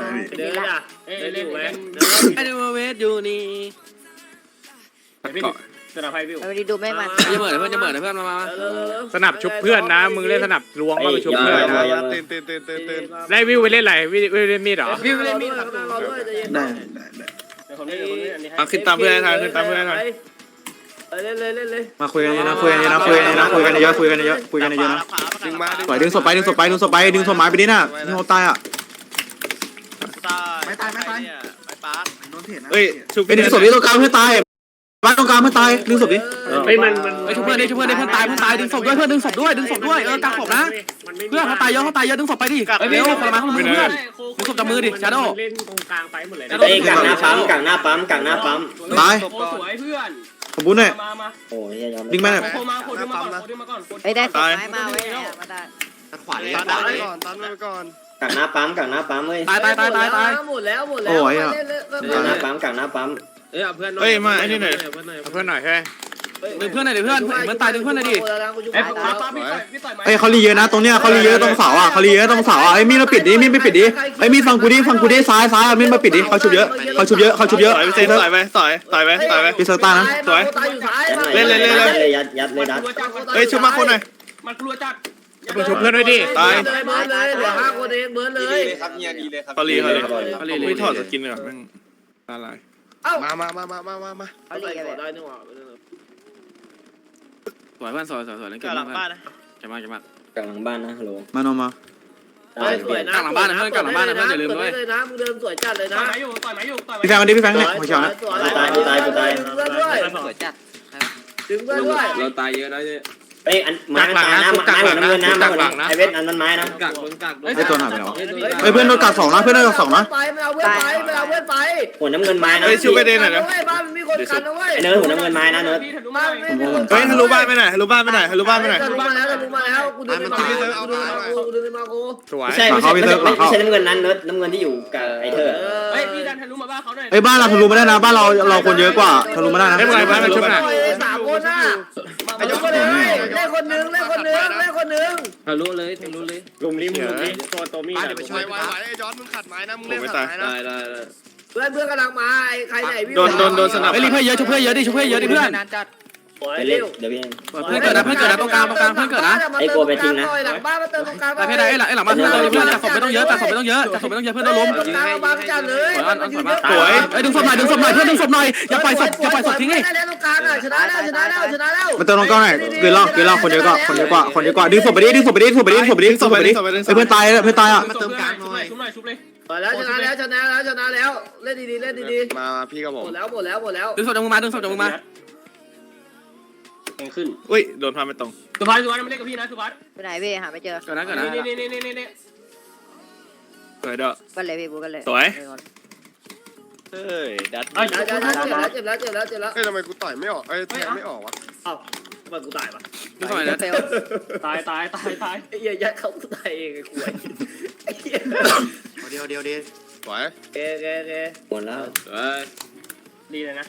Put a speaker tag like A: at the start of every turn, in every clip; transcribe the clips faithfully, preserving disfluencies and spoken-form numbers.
A: เดินอ่ะเดินอยู่ไหมไอ้เดมเวสอยู่นี่สนับไพ่พี่
B: ไปดีดูไม่มา
A: จะเหมือนเพื่อนจะเหมือนเพื่อนมามา
C: สนับชุบเพื่อนนะมึงเล่นสนับล้วงมาไปชุบเพื่อนนะ
D: ตื่นตื่นตื่นตื่นตื่น
C: ได้วิวไปเล่นอะไรวิวเล่นมีดเหรอ
A: พี่ไม่ได้มีดครับเราด้วยจะเย็น
D: ได้ได้ได้
A: มาขึ้นตามเพื่อนทางขึ้นตามเพื่อนทางเล่นเลยเล่นเลย
D: มาคุยกันเยอะนะคุยกันเยอะนะคุยกันเยอะนะคุยกันเยอะคุยกันเยอะคุยกันเยอะนะ
E: ดึงมา
D: ปล่อยดึงศพไปดึงศพไปดึงศพไปดึงศพหมายไปดิน่ะนี่เขาตายอ่ะ
E: ไม่ตายไม่ตายไม่ปาร์ค
D: เฮ้ยไปดึงศพนี้ตรงกลางเพื่อนตายบ้านตรงกลางเพื่อนตายดึงศพนี้
C: ไอ้มันมัน
A: ไปชุบเพื่อนดิชุบเพื่อนดิเพื่อนตายเพื่อนตายดึงศพด้วยเพื่อนดึงศพด้วยดึงศพด้วยเออกางศพนะเพื่อนเขาตายเยอะเขาตายเยอะดึงศพไปดิเร็วคนละมาคนละมือเพื่อนดึงศพจับมือดิชาโด
C: เล่นตรงกลางไปหมดเลย
F: เอ้ยกังหน้าปั๊มกังหน้าปั๊มกังหน้าปั๊ม
D: ตาย
A: สวยเพื่อน
D: ขอบคุณหน่อย
A: มามา
F: โอ้ยยอม
D: ดึงแม่หน่อย
A: โคมาโคดึงมาก่อนโคดึงมาก่อน
B: ไอ้ได้สุดท้ายมาไว้มาได้
E: ขวาเลยตันไปก่อนตันไปก่อน
F: กังหน้าปั๊มกังหน้าปั๊มเว้ย
A: ตายตายตายตายตาย
B: หมดแล้วหมดแล้ว
D: โอ้ยอ่ะ
F: กังหน้าปั๊มกังหน้าปั๊ม
A: เอ้ยเพื่อน
C: เฮ้ยมาไอ้นี่หน่อยเพื่อนหน่อยใช่
A: ดึงเพื่อนหน่อยดิเพื่อนเพื่อนตายดึงเพื่อนหน่อยดิ
B: ไอ้
D: เฮ้ยเขารีเยอะนะตรงเนี้ยเขารีเยอะตรงเสาอ่ะเขารีเยอะตรงเสาอ่ะไอ้มีดมาปิดดิมีดไม่ปิดดิไอ้มีดฟังกูดิฟังกูดิซ้ายซ้ายมีดมาปิดดิเขาชุบเยอะเขาชุบเยอะเขาชุบเยอะ
E: ต่อยไปเซนต่อยไปต่อยต่อยไปต่อยไป
D: พี่เซอร์ต้านะ
B: สวยตายอยู่ซ้าย
F: เล่นเลยเล่นเลยยัดยัดเลยดัด
E: เฮ้ยชุบมาคนหน่อย
A: มันกลัวจัด
C: มึงชุบเพื่อนด้วยดิ
B: ตายเลยเบิร์ดเลยเหลือห้าคนเองเบิร์ดเลย
E: ครับเนี่ยดีเลยครับเขาลีเขาลีเขาลีไม่ถอดสกินเลยหรอแม่งตาลาย
B: เอ้า
E: มามามามามามามา
B: เอาลีกันเลย
A: ได้นึกว่าสวยเพื่อนสวยสวยสวยเล่นเกมเพื่อนจะมาจะมา
F: กังหลังบ้านนะฮัลโหล
D: มาโนมา
B: สวยนะเลยนะมึงเดินสวยจัดเลย
A: ต่
B: นะ
A: อยไม้อยู่ต่อยไม้อยู่ต่อยไม้
D: พี่แฟงมาดิพี่แฟงเนี่ยหัวเฉียวนะ
F: ตายกูตายกูตาย
B: ดึงเพื่อนด้วย
A: สวยจัด
B: ดึงเพื่อนด้วย
A: เราตายเยอะนะเนี่ย
F: เอ้ยอันไม้ตายนะไม้หัวน้ำเงินนะไม้หัวน้ำไอเวทอันนั้นไม้นะ
A: กักมึงกัก
D: ไอ้ตัวหายไปไหนวะไอ้เพื่อนโดนกัดสองนะเพื่อนโดนกัดสองนะ
B: ไปไม่เอาเพื่อนไปไม่เอาเพื่อนไป
F: หัวน้ำเงินไม้นะ
E: เฮ้ยชุบไปเดนหน่อยนะ
B: บ้านมีคนกันนะเว้ย
F: ไอเนิร์ดหัวน้ำเงินไม้นะเนิร์ด
B: บ้านไม่มีคน
E: เฮ้ยทะลุบ้านไปไหนทะลุบ้านไปไหนทะลุบ้านไปไหน
B: ทะลุมาแล้วทะลุมาแล้วกูเดินมากูเดินมากูเดินมากู
C: สวย
F: ไม่ใช่ไม่ใช่ไม่ใช่ไม่ใช่น้ำเงินนั้นเนิร์ดน้ำเงินที่อยู่กับไอเธอ
A: เฮ้ยพี่ดันทะลุมาบ้านเขาหน่อย
D: ไอ้บ้านเราทะลุมาได้นะบ้านเราเราคนเยอะกว่าทะลุมาได้นะ
C: ไม่เป็นไรบ้านมันชุบหน่อย
B: สามคนน่ะไอ้ยกคนนึงเล่นคนนึงเล่นคนนึงเล่นคนนึง
A: ทะลุเลยทะลุเลย
C: ลุมริมลุมริมตัวตัวมีด
E: เดี๋ยวไปช่วยไหวไหวไอ้ย้อนมึงขัดไม้นะมึงเล่นขัดไม้นะ
A: ได้ได้ได้
B: เพื่อนเพื่อนกำลังมาไอ้ใครไหนพี่
E: โดนโดนโดนสนับ
A: เฮ้ยรีเพื่อนเยอะชุบเพื่อนเยอะดิชุบเพื่อนเยอะดิเพื่อน
F: ไปเล่นเดี๋ยวพี่
A: เพื่อนเกิดนะเพื่อนเกิดนะตรงกลางตรงกลางเพื่อนเกิดนะ
B: หลังบ้านมาเติมตรงกลาง
A: แต่เพดานไอ้หลังไอ้หลังบ้านเพื่อนเพื่อนจับศพไม่ต้องเยอะจับศพไม่ต้องเยอะจับศพไม่ต้องเยอะเพื่อนต้องล้ม
B: ตรงกลางบ้านจัดเลย
E: สวย
A: ไอ้ดึงศพหน่อยดึงศพหน่อยเพื่อนดึงศพหน่อยอย่าปล่อยศพอย่าปล่อยศพทิ้งไอ้
B: ได้แล้วตรงกลางอ่ะชนะแล้วชนะแล้วชนะแล้ว
D: มาเติมตรงกลางหน่อยเกินเล่าเกินเล่าคนเยอะกว่าคนเยอะกว่าคนเยอะกว่าดึงศพไปดิดึงศพไปดิดึงศพไปดิดึงศพไปดิดึงศพไปดิไอ้เพื่อนตายเพื่อนตายอ่ะ
A: มาเติมกลางหน่อยชุบหน่อยชุบเลย
B: แล้วชนะแล้วชนะแล้วชนะแล้วเล่นดีๆเล่นดี
E: มาพี่กับผ
B: ๆห
E: ม
B: มดแล้วหมดแล้วหมดแล้ว
A: ดึงศพจากมือมาดึงศพจากมือมาแข่งขึ้น
E: อุ้ยโดนพาไม่ตรง
A: สุภัสสุภัสไม่เล่นกับพี่นะสุภัส
B: ไปไหนพี่หาไม่เจอ
A: เกิดนะเกิดนะนี่นี่นี่นี่นี่
E: สวยเด้อ
B: กันเลยพี่บูกันเลย
E: สวยเฮ้ยดัด
B: เจ็บแล้วเจ็บแล้วเจ็บแล้วเจ็บแล้ว
E: เฮ้ยทำไมกูต่อยไม่ออกเอ้ยแทงไม่ออกวะ
B: ทำไมกูตายปะ
A: ดึงศพหน่อยนะตายตายตายตาย
B: ไอ้เหี้ยยัดเขาตายเองไอ้กูไอ้เหี้ย
D: เดียวเดียวเดียว
E: สวย
B: เกเกเก
F: หมดแล้ว
A: ดีเลยนะ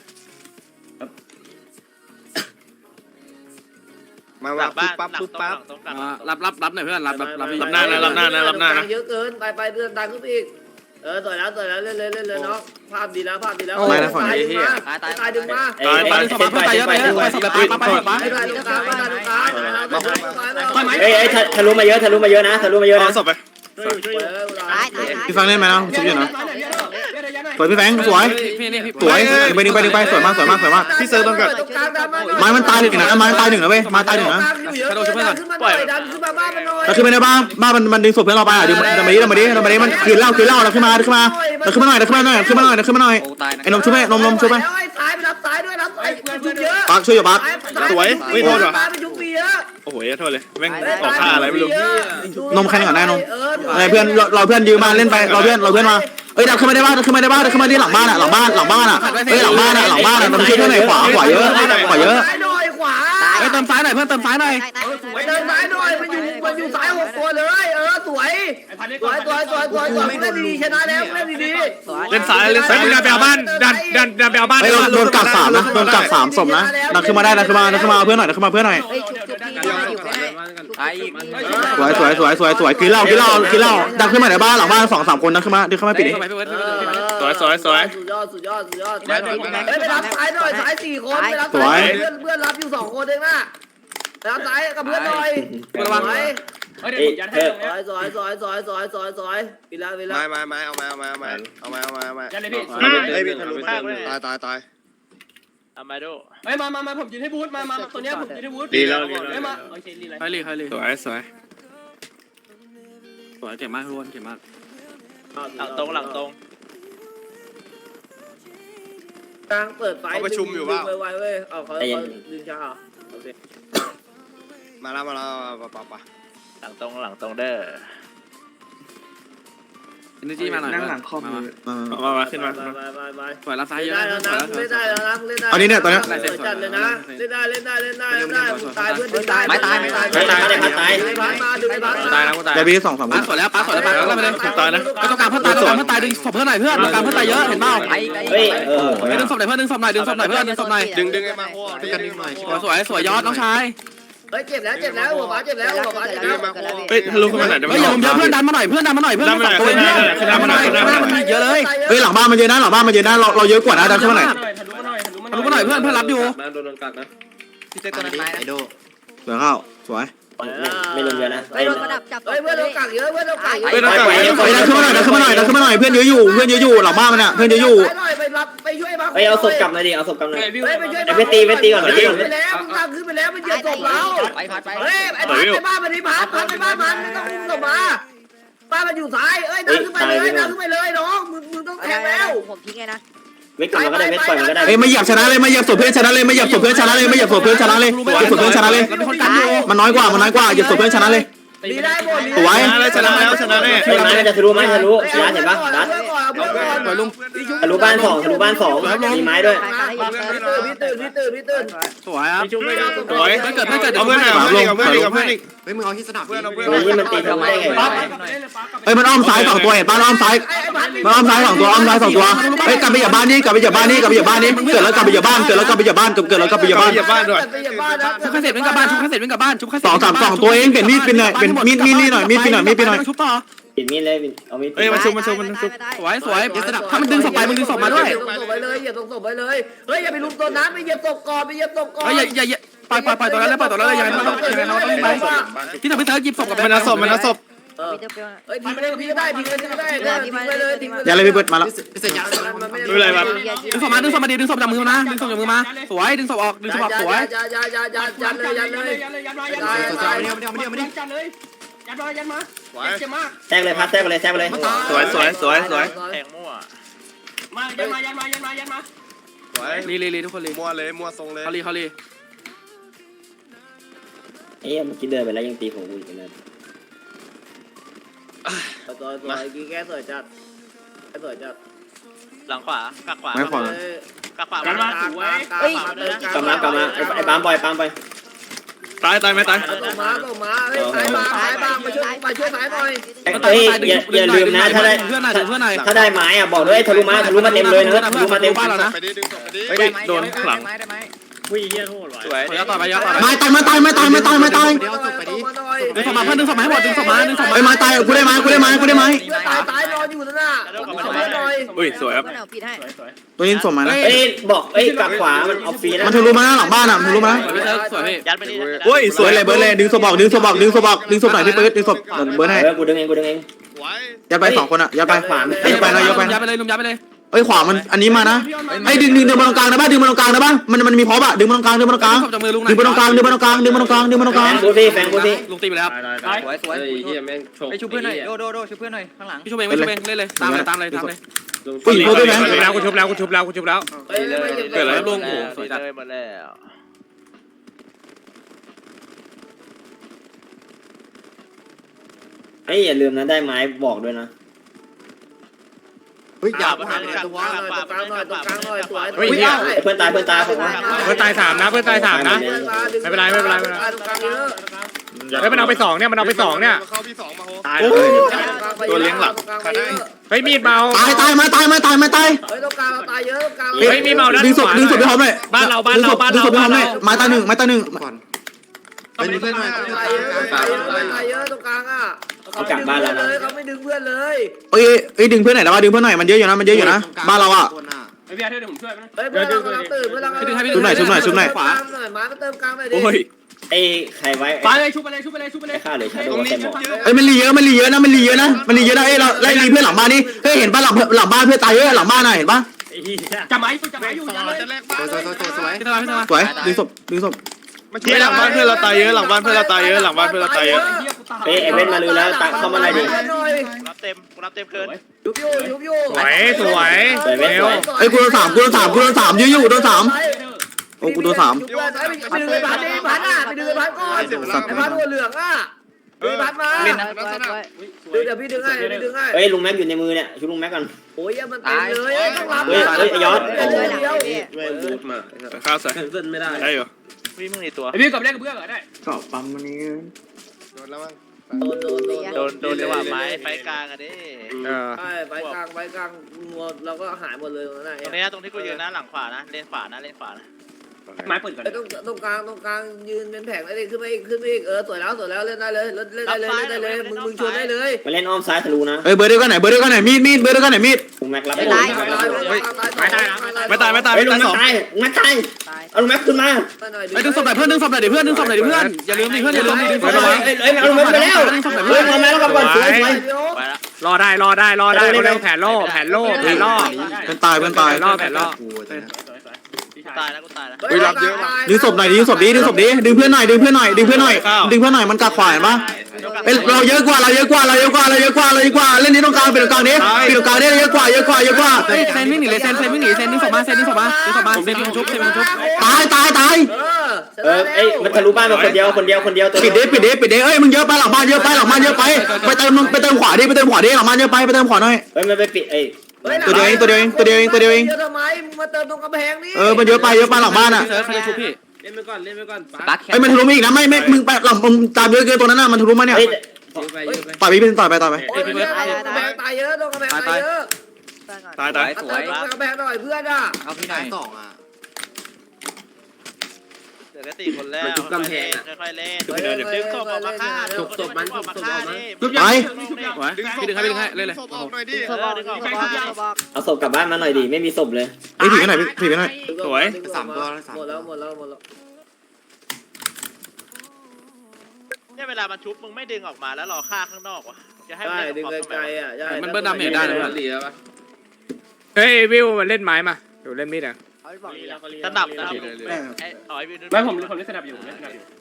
E: มาว่าปุ๊บปั๊บปุ๊บปั๊บ
A: รับรับรับหน่อยเพื่อนรับรับรับ
E: รับหน้านะรับหน้านะรับหน้านะ
B: เยอะเกินไปไปเดินดังขึ้นอีกเออต่อยแล้วต่อยแล้วเล่นเลยเล่นเลยเนาะภาพดีแล้วภาพดีแล้วตายตายดึงมา
F: ตาย
A: ตายดึงศพมาเพื่อนตายเยอะตายเยอะตายศพแบบปั๊บปั๊บปั๊บ
B: ไปตรงกลางไปตรงกลาง
F: เฮ้ยเฮ้ยทะลุมาเยอะทะลุมาเยอะนะทะลุมาเยอะ
E: เอา
F: นะ
E: ศพไป
B: ตายตาย
D: พี่แฟงเล่นไหมนะชุบอยู่นะสวยพี่แฟงสวย
A: พี่นี่พี่
D: สวยดึงไปดึงไปดึงไปสวยมากสวยมากสวยมาก
E: พี่เซิร์ฟต้องกัด
D: ไม้มันตายหนึ่งนะไม้มันตายหนึ่งนะเว้ยไม้ตายหนึ่งนะ
B: ขึ้นมาหน่อยดันขึ้นมาบ้านมันหน่อย
D: เราขึ้นไปในบ้านบ้านมันมันดึงศพเพื่อนเราไปอ่ะดึงเรามาดิเรามาดิเรามาดิมันคืนเหล้าคืนเหล้าเราขึ้นมาขึ้นมาเราขึ้นมาหน่อยเราขึ้นมาหน่อยขึ้นมาหน่อยขึ้นมาหน่อย
A: โอ้ตายนะ
D: ไอ้นมช่วยไหมนมนมช่วยไหม
B: แล้วไอ้ซ้ายไปรับซ้ายด้วยรับซ้ายยุบเยอะ
D: ปักช่วยอยู่ปัก
E: สวยไม่โทษหรอ
B: ซ้ายไปยุบเยอะ
E: โอ้โหโทษเลยแม่งออกท่าอะไรไม่รู้
D: นมใครก่อนได้นมอะไรเพื่อนเราเพื่อนยืมมาเล่นไปเราเพื่อนเราเพื่อนมาเอ้ยดับขึ้นมาได้บ้านดับขึ้นมาได้บ้านดับขึ้นมาที่หลังบ้านอ่ะหลังบ้านหลังบ้านอ่ะเอ้ยหลังบ้านอ่ะหลังบ้านอ่ะมันช่วยเพื่อนหน่อยขวาขวาเยอะขวาเยอะ
B: ซ้ายหน่อยขวา
A: เฮ้ยเติมซ้ายหน่อยเพื่อนเติมซ้ายหน่อย
B: ไปเดินซ้ายหน่อยมันอยู่มันอยู่ซ้ายหกตัวเลยเออสวยสวยสวยสวยสวยสวยเล่นดีๆชนะแล้วเล่นดีๆ
E: เล่นซ้ายเล่น
C: เฮ้
E: ซ้าย ย
C: มึงดันไปเอาบ้านดันดันดันไปเอาบ้าน
D: เฮ้ยโดนกัดสามนะโดนกัดสามศพนะดันขึ้นมาได้ดันขึ้นมาดันขึ้นมาเพื่อนหน่อยดันขึ้นมาเพื่อนหน่อย
B: เฮ้ยชุบชุบพี่อยู่ไม่ได้
D: สวยสวยสวยสวยสวยกินเหล้ากินเหล้ากินเหล้าดักขึ้นมาในบ้านหลังบ้านสองสามคนดักขึ้นมาดึงขึ้นมาปิดดิ
E: สวยสวยสวย
B: สุดยอดสุดยอดสุดยอดเฮ้ยไปรับสายหน่อยสายสี่คนไปรับสายเพื่อนเพื่อนรับอยู่สองคนเองนะไปรับสายกับเพื่อนหน่อยระวังไหม
F: เฮ้ยเดี๋ยวผมยัดให้ตรง
B: ส
F: เนี้
B: วย ยสวยสวยสวยสวยสวยสวยปีละปีละ
E: มามามาเอามาเอามาเอามาเอามาเอามาเอามา
F: ยัดเลยพี่
E: เฮ้ยพี่ทะลุตายตายตาย
F: เอามาดูเฮ้ยมามามาผมยืนให้บูธมามาตัวเนี้ยผมยืนให้บูธ
E: ดีแล้วดี
F: เฮ้ย
E: แล้ว
F: มาโอเคดีเลย
A: ใครลีใครลี
E: สวยสวย
A: สวยเก่งมากทุกคนเก่งมาก
F: หลังตรงหลังตรง
B: กลางเปิดไฟไวไวเว้ยเอาเขาเขาดึงช้าโอเค
E: มาแล้วมาแล้วปะปะปะ
F: หลังตรงหลังตรงเด้อ
A: เอเนจีมาหน่อยนั่งหลังคอม
E: มามาขึ้นมา
B: ไปไปไปไป
A: สวยรับซ้ายเยอะ
B: ได้แล้วนะเล่นได้แล้วนะเล่นได้
D: เอานี้เนี่ยตอนนี้
B: จัดเลยนะเล่นได้เล่นได้เล่นได้เล่นได้ตายเพื่อนดึงตาย
F: ไม่ตายไม่ตาย
B: ไม่ตายไม่ตายดึงพันมาดึงพัน
E: ตาย
B: มา
E: นะกูตาย
D: เดี๋ยวพี่สองสามค
A: ป้าน สวยแล้วป้าสวยแล้วป้าแล้วไปเลย
E: ตายนะ
A: ไม่ต้องการเพื่อนตายต้องการเพื่อนตายดึงศพเพื่อนหน่อยเพื่อนต้องการเพื่อนตายเยอะเห็นเปล่า
F: เฮ้ยเออ
A: ดึงศพหน่อยเพื่อนดึงศพหน่อยดึงศพหน่อยเพื่อนดึงศพหน่อย
E: ดึงดึงไอ้มาโอ้ดึงดึงหน่อย
A: สวยสวยยอดน้องชาย
B: เฮ้ยเจ็บแล้วเจ็บแล้วหัวฟ้าเจ็บแล้วหัวฟ้าเจ็บแล้ว
E: เฮ้ยทะลุขึ้นมาหน่อยได้ไหม
A: เฮ้ยอย่าผมเยอะเพื่อนดันมาหน่อยเพื่อนดันมาหน่อยเพื่อนดันมาหน่อยเพื่อนดันมาหน่อยหน้ามันเยอะเลย
D: เฮ้ยหลังบ้านมันเยอะนะหลังบ้านมันเยอะนะเราเราเยอะกว่านะดักขึ้นมาหน่อย
F: ทะลุมาหน่อยทะลุมาหน่อย
A: รู้มาหน่อยเพื่อนเพื่อนรับอยู่
F: พี่เจ๊ตัวนั้นตายนะ
D: เหลือข้าวสวย
F: ไม่ลงเยอะนะ
B: เฮ้ยระดับจับเฮ้ยเพื่อนเรากักเยอะเพื่อนเรากักเยอะ
E: เฮ้ยต้องกลับ
D: เฮ้ยดักขึ้นมาหน่อยดักขึ้นมาหน่อยดักขึ้นมาหน่อยเพื่อนเยอะอยู่เพื่อนเยอะอยู่หลังบ้านมันอ่ะเพื่อนเยอะอยู่
B: ไปรับไปช่วยบ้าง
F: เฮ้ยเอาศพกลับหน่อยดิเอาศพกลับหน่อย
B: เฮ้ยไปช่วย
F: ไปตีไปตีก่อนไปตีก่อน
B: ไปแล้วมึงทำขึ้นไปแล้วมันเหยียบศพเรา
F: ไปพัดไป
B: เฮ้ยไอ้พัดไปบ้านมันนี่พัดพัดไปบ้านมันไม่ต้องอุ้มศพมาบ้านมันอยู่ซ้ายเอ้ยดันขึ้นไปเลยดันขึ้นไปเลยน้องมึงมึงต้องแทงแล้ว
G: ผมทิ้งไงนะ
F: เวทกลับมาก็ได้เวทปล่อยมันก็ได้
D: เอ้ยไม่เหยียบชนะเลยไม่เหยียบศพเพื่อนชนะเลยไม่เหยียบศพเพื่อนชนะเลยไม่เหยียบศพเพื่อนชนะเลยเหยียบศพเพื่อนชนะเลย
A: เป็นคนกันอยู่
D: มันน้อยกว่ามันน้อยกว่าเหยียบศพเพื่อนชนะเลย
B: ดีได้หมด
D: สวย
E: ชนะแล้วชนะแล้วชนะแน่
F: เฮ้ยไม้จะทะลุไม้ทะลุยัดเห็นปะยัด
A: สวยลุง
F: ทะลุบ้านสองทะลุบ้านสองมีไม้ด้วย
B: พี่ตื่นพี่ตื่นพี่ตื่น
A: สวยครับ
E: สวย
A: ไม่เกิดไม่เกิด
E: เอาเพื่อนหน่อยเอาเพื่อนอีกเอาเพื่อนอีกเอาเพื่อนอีก
H: เฮ้ยมึงเอาที่สนาม
E: เพื่อนเอาเพื่อน
F: โอ้ยมันตีทำไมได้ไง
D: เอ้ยมันอ้อมซ้ายสองตัวเห็นป่ะอ้อมซ้ายมันอ้อมซ้ายสองตัวอ้อมซ้ายสองตัวเฮ้ยกลับไปเหยียบบ้านนี่กลับไปเหยียบบ้านนี่กลับไปเหยียบบ้านนี่เกิดแล้วกลับไปเหยียบบ้านเกิดแล้วกลับไปเหยียบบ้านเกิดแล้วกลับไปเหยียบบ้าน
E: เหยียบบ้านด้วย
B: ไปเหยียบบ้านนะ
A: ชุบข้าเสร็จเป็นกับบ้านชุบข้าเสร็จเป็นกับบ้านชุบข้าเสร็จ
D: สองสามสองตัวเองเปลี่ยนมีดเป็นหน่อยเป็นมีดมีดนี่หน่อยมีดเป็นหน่อยมีดเป็นหน่อย
A: ชุบต่อ
F: ปิดมีดเลยเอามีด
E: เฮ้ยมาชุบมาชุบมาชุบ
A: สวยสวยถ้ามันดึงศพไปมึงดึงศพมาด้วย
B: เหยียบศพไปเลยเหยียบศพไปเลยเฮ้ยอย่าไปลุมตัวนั้นไปเหยียบศพก่อนไปเหยียบศพก่อน
A: เฮ้ยอย่าอย่าอย่าปล่อยปล่อยปล่อยตัวนั้นแล้วปล่อยตัวนั้นเลยยังไงมันต้องยังไงเราต้องไปที่ทำให้เธอหยิบศพกับ
E: มันเอาศพมันเอาศพ
B: เฮ้ยทิ้งไปเลยทิ้งก็ได้ทิ้งไปเลยทิ้งก็ได้ทิ้งไปเลยทิ้งไปเลย
D: อย่าเลยพี่เบิร์ดมาแล้ว
H: เสร็จยัง
E: ไม่เป็นไรครับ
A: ดึงศพมาดึงศพมาดิดึงศพจากมือนะดึงศพจากมือมาสวยดึงศพออกดึงศพออกสวย
B: ยัดยัดยัดยัดยัดเลยยัดเลย
F: ยัดเลยยัดมายัดมายัดมายัดเลยยัดมายัดมาเจ็บมากแทกเลยพัดแทกไปเลยแทกไปเลย
E: สวยสวยสวยสวย
F: แทงมั่วมายัดมายัดมายัดมายัดมา
E: สวย
A: รีรีรีทุกคนรี
E: มัวเลยมัวทรงเลย
A: เขารีเขารี
F: เอ๊ะเมื่อกี้เดินไปแล้วยังตีผมกูอีกเลย
B: สวยสวยกี่แก้สวยจัดสวยจัด
F: หลังขวากักขวา
D: ไม่ขวา
F: กักขวา
B: กันมาสวย
F: เฮ้ยกลับมากลับมาไอ้ปามปล่อยปามไป
E: ตายตายไหมตาย
B: ส่งมาส่งมาเฮ้ยสายมาสายมามาช่วยมาช่วยสายหน่อย
F: เฮ้ยอย่าอย่าลืมนะถ้าได้
A: เพื่อนหน่อยเพื่อนหน่อย
F: ถ้าได้ไม้อ่ะบอกด้วยทะลุมาทะลุมาเต็มเลยนะทะลุมาเต็ม
A: บ้านเรานะ
E: ไปดิดึงศพไปดิเฮ้ยโดนหลัง
F: วิ่งเยี่ยโทษว่ะ
E: สวย
A: ขอยัดต่อไปยัดต่อไป
D: ไม่ตายไม่ตายไม่ตายไม่ตายไม่ตาย
B: เดี๋ยวส่งไปดิ
A: ดึงศพมาเพื่อนดึงศพมาให้หมดดึงศพมาดึงศพมา
D: เฮ้ยมาตายกูได้ไหมกูได้ไหมกูได้ไหม
B: เพื่อนตายตายนอนอยู่นั่นน่ะส่งหน่อย
E: อุ้ยสวยครับ
G: เอาปิดให้
D: ตัวนี้ส่งมานะ
F: เอ้ยบอกเอ้ยกักขวามันเอาฟรีนะ
D: มันทะลุมาหน้าหลังบ้านอ่ะมันทะลุมา
A: สวยพี่
F: ยัดไปดิ
D: โอ้ยสวยเลยเบิร์ดเลยดึงศพบอกดึงศพบอกดึงศพบอกดึงศพหน่อยพี่เบิร์ดดึงศพเบิร์ดให้
F: เออกูดึงเองกูดึงเอง
E: ไว้
D: ยัดไปสองคนอ่ะยัดไปขวายัดไปนะยัดไป
A: ยัดไปเลยลุมยัดไปเลย
D: เอ้ยขวามันอันนี้มานะไอ้ดึงดึงดึงมาตรงกลางนะบ้าดึงมาตรงกลางนะบ้ามันมันมีพร็อพอะดึงมาตรงกลางดึงมาตรงกลาง
A: ศพจากมือลุง
D: ดึงมาตรงกลางดึงมาตรงกลางดึงมาตรงกลางดึงมาตรงก
F: แฟ
D: ลาง
F: งกูสิแฟงกูสิ
A: ลุงตีไปแล้ว
H: สวยสวยไปชูเพื่อนหน่อยโดโดโดชูเพื่อนหน่อยข้างหลัง
A: พี่ชูเองไม่ชูเองเล่นเลยตามเลยตามเลยตามเลย
D: ผู้หญิงเขาด้วยไหม
C: ชุบแล้วกูชุบแล้วกูชุบแล้วกูชุบแล้ว
A: เกิดอะไรลุงโอ้สวยจัด
F: เลยหมดแล้ว เฮ้ยอย่าลืมนะได้ไม้บอกด้วยนะ
H: เฮ้ยอย่า
B: ตรงกลางหน่อยตรงกลางหน่อยตรงกลางหน่อยสวย
F: เฮ้ยเพื่อนตายเพื่อนตายผมว่า
C: เพื่อนตายสามนะเพื่อนตายสามนะ ไม่เป็นไรไม่เป็นไรไม่เป็นไร
B: ตรงกลางเยอะ
C: เฮ้ยมันเอาไปสองเนี่ยมันเอาไปสองเนี่ย
E: เข้าพี่สองมาโห
F: ตาย
E: ตัวเลี้ยงหลัก
C: เฮ้ยมีดเมา
D: ตายตายมาตายมาตายมาตาย
B: เฮ้ยตรงกลางตายเยอะตรงกลาง
C: เฮ้ยมีเมาด้าน
D: ดึงศ
C: ข
D: พ
C: วา
D: ดึงศพไปพร้อมเลย
C: บ้านเราบ้านเราบ้าน
D: ดึง
C: เรา
D: ศพไปพร้อมเลย
C: บ้านเรา
D: ไม้ตาหนึ่งไม้ตาหนึ่ง
H: ก่อน
B: ตายเยอะตายเยอะตายเยอะตรงกลางอ่ะเขากลับบ้านแล้วเลยเขาไม่ดึงเพื่อนเลย
D: เอ้ยเอ้ยดึงเพื่อนหน่อยแล้วว่าดึงเพื่อนหน่อยมันเยอะอยู่นะมันเยอะอยู่นะบ้านเราอ่ะ
F: ไอ้พี่อาร์เธอเดี๋ยวผมช่วยไหม
B: เฮ้ยเพื่อนเรากำลังตื่นเพื่อนเรากำลัง
D: ชุบหน่อยชุบหน่อยชุบหน่อย
B: ขวาหน่อยมาเติมกลางหน่อยดิ
E: โอ้ย
H: ไอ้ใครไว้
F: ไปเลยชุบไปเลยชุบไปเลยชุบไปเลย
H: ฆ่าเลยชาโด
E: ตรงนี้
H: เต็มหมด
D: เอ้ยมันรีเยอะมันรีเยอะนะมันรีเยอะนะมันรีเยอะนะเอ้ยเราไล่รีเพื่อนหลังบ้านนี่เฮ้ยเห็นป่ะหลังหลังบ้านเพื่อนตายเยอะหลังบ้านน่ะเห็นป่ะ
F: จับไม้จับไม้อยู่ยันเลย
E: จะแลกบ้าน
A: สวยสวยสวยสวยพี่ตาพี่ตา
D: สวยดึงศพดึงศพ
E: เฮ้ยหลังบ้านเพื่อนเราตายเยอะหลังบ้านเพื่อนเราตายเยอะหลังบ้านเพื่อนเราตายเยอะ
H: เอ้ยไอ้เว้นมาลือแล้วตักเข้ามาหน่อยดิ
G: รับเต็มกูรับเต็มเกิน
B: ยุบอยู่ยุบอยู่
C: สวยสวย
H: สวยเว้นสวย
D: เอ้ยกูโดนสามกูโดนสามกูโดนสามยื้ออยู่โดนสามโอ้กูโดนสาม
B: ไปดึงไอ้พันดิพันอ่ะไปดึงไอ้พันก่อนไอ้พันหัวเหลืองอ่ะดึงพันมา
E: เล่นนะ
B: เดี๋ยวพี่ดึงให้พี่ดึงให้
H: เฮ้ยลุงแม็กอยู่ในมือเนี่ยชุบลุงแม็กก่อน
B: โอ้ยมันเต็มเลยต้องรับ
H: เฮ้ยเฮ้ยยอด
B: เดียว
E: ข้าวใส่
H: เพื่อนไม่ได้
E: ได้เหรอ
G: วิ่งมึงในตัว
F: ไอ้พี่กับเล่นกับเพื่อนเหรอได้
D: เกาะปั๊มวันนี้
E: โดนแล้วมั้ง
B: โดนโดนโดน
G: โดนโดนจังหวะไม้ไฟกลางอะดิ
C: เออ
B: ใช่ไปกลางไปกลางงัวเราก็หายหมดเลยตรงนั้น
G: ตรงนี้ตรงที่กูยืนนะหลังขวานะเลนขวานะเลนขวานะ
F: ไม้เปิดก่อน
B: ไอ้ตรงตรงกลางตรงกลางยืนเป็นแผงได้เลยขึ้นไปอีกขึ้นไปอีกเออสวยแล้วสวยแล้วเล่นได้เลยเล่นได้เลยเล่นได้เลยมึงมึงชวนได้เลย
H: มาเล่นอ้อมซ้ายทะลุนะ
D: เอ้ยเบอร์เดียวกันไหนเบอร์เดียวกันไหนมีดมีดเบอร์เดียวกันไหนมีด
H: ลุงแม็กรับ
B: ไม่
H: ได้
B: ตายไม่ตาย
E: ไม่ตายไม่ตาย
H: เฮ้ย
E: ไม่
H: ลุง
E: ตาย
H: แม็
E: ส
H: ก
E: อง
H: ตายแม็กตายเอาลุงแม็กขึ้นมา
A: ไอ้ดึงศพหน่อยเพื่อนดึงศพหน่อยดิเพื่อนดึงศพหน่อยดิเพื่อนอย่าลืมดิเพื่อนอย่าลืมดิดึงศพหน่อย
H: เอ้ยเอ้ยเอาลุงแม็กไปแล้วเฮ้ยมาแม็กแล้วก่อนสวยสวย
G: ไปละ
C: รอได้รอได้รอได้เร็วแผนโล่แผนโล่แผนล่อ
D: เพื่อนตายเพื่อนตาย
C: แผนล่อแผนล่อ
G: ตายแล้วกูตายแล้ว
D: ดึงศพหน่อยดึงศพดิดึงศพดิดึงเพื่อนหน่อยดึงเพื่อนหน่อยดึงเพื่อนหน่อยดึงเพื่อนหน่อยมันกัดขวาเห็นปะเอ้ยเราเยอะกว่าเราเยอะกว่าเราเยอะกว่าเราเยอะกว่าเราเยอะกว่าเล่นนี้ตรงกลางเป็นตรงกลางนี้เป็นตรงกลางนี้เยอะกว่าเยอะกว่าเยอะกว่า
A: เฮ้ยเซนวิ่งหนีเลยเซนเซนวิ่งหนีเซนดึงศพมาเซนดึงศพมาดึงศพมาเซนดึงชุบเซนดึงชุบ
D: ตายตายตาย
H: เออเอ้ยมันทะลุบ้านมาคนเดียวคนเดียวคนเดียวตัว
D: ปิดเด้ปิดเด้ปิดเด้เอ้ยมึงเยอะไปหลังบ้านเยอะไปหลังบ้านเยอะไปไปเติมไปเติมขวาดิไปเติมขวาดิหลังบ้านเยอะไปไปเติมขวาหน่อย
H: เฮ้ยมันไปปิดเอ้ย
D: ตัวเดียวเองตัวเดียวเองตัวเดียวเองตัวเดียวเอง
B: เยอะทำไมมึงมาเติมตรงกำแพงนี่
D: เออมันเยอะไปเยอะไปหลังบ้านอ่ะ
A: เซิร์ฟเขาจะชุบพี่
F: เล่นไปก่อนเล่นไปก่อน
D: เอ้ยมันทะลุมาอีกนะไม่ไม่มึงไปหลังมึงตามเยอะเกินตัวนั้นน่ะมันทะลุมาเนี่ย
H: เฮ้ย
D: ต่อยไปเป็นต่อยไปต่อยไป
B: โอ้ยเยอะกำแพงตายเยอะตรงกำแพงตายเยอะ
E: ตายตาย
B: เติมตรงกำแพงหน่อยเพื่อนอ่ะ
A: เอาพี่ไหนสองอ่ะ
G: เดี๋ยวก็ตีคนแล้วค่อยๆเล่นค่อยๆเล่นดึงศพออกมาฆ่าดึงศพมันออกมาฆ่าดิ
D: ไป
A: พี่ดึงให้พี่ดึงให้เล่นเลย
E: ศพออกหน่อยดิ
H: เอาศพกลับบ้านมาหน่อยดิไม่มีศพเลย
D: ไอ้ผีไปไหนผีไปไหน
B: สามตัวหมดแล้วหมดแล้วหมดแล้ว
G: เนี่ยเวลามันชุบมึงไม่ดึงออกมาแล้วรอฆ่าข้างนอกวะจะให้
B: ใช่ดึงไกลๆอ่ะใช่
A: มันเบิ้ลดาเมจได้นะเพื่อน
C: เฮ้ยวิวมันเล่นไม้มาเดี๋ยวเล่นมีดอ่ะ
G: สนับนะครับไอ้อ๋อยวิว
F: ไม่ผมผมเล่นสนับอยู่เล่นสนับอยู่